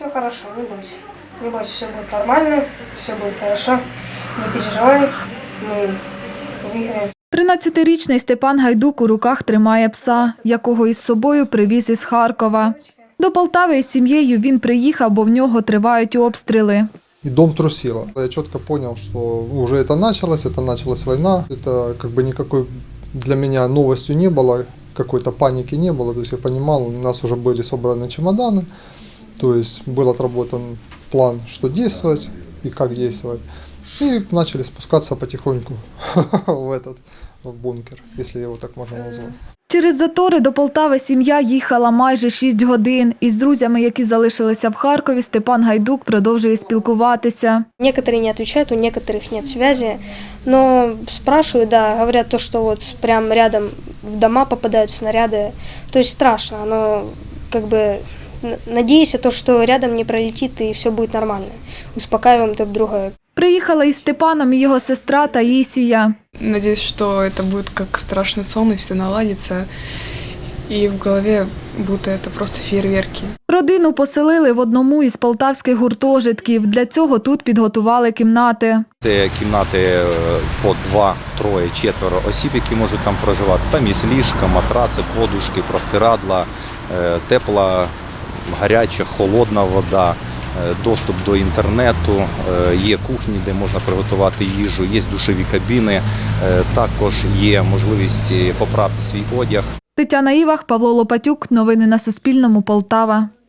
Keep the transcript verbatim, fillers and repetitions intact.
Все хорошо, не бойся. Не бойся, все будет нормально, все будет хорошо. Не переживай, мы выиграем. тринадцятирічний Степан Гайдук у руках тримає пса, якого із собою привіз із Харкова. До Полтави із сім'єю він приїхав, бо в нього тривають обстріли. И дом трусило. Я четко понял, что уже это началось, это началась война. Это как бы никакой для меня новостью не было, какой-то паники не было. То есть я понимал, у нас уже были собраны чемоданы, то есть был отработан план, что действовать и как действовать. И начали спускаться потихоньку в этот в бункер, если его так можно назвать. Через затори до Полтави сім'я їхала майже шість годин. Із друзями, які залишилися в Харкові, Степан Гайдук продовжує спілкуватися. Некоторые не отвечают, у некоторых нет связи, но спрашивают, да, говорят то, что вот прям рядом в дома попадают снаряды, то есть страшно, но как бы надеюсь, то, что рядом не пролетит и все будет нормально, успокаиваем друг друга. Приїхала із Степаном і його сестра Таїсія. Надеюсь, что это будет как страшный сон, и все наладится, и в голове будто это просто фейерверки. Родину поселили в одному із полтавських гуртожитків. Для цього тут підготували кімнати. Це кімнати по два, троє, четверо осіб, які можуть там проживати. Там є ліжка, матраци, подушки, простирадла, тепла, гаряча, холодна вода, доступ до інтернету, є кухні, де можна приготувати їжу, є душові кабіни, також є можливість попрати свій одяг. Тетяна Івах, Павло Лопатюк. Новини на Суспільному. Полтава.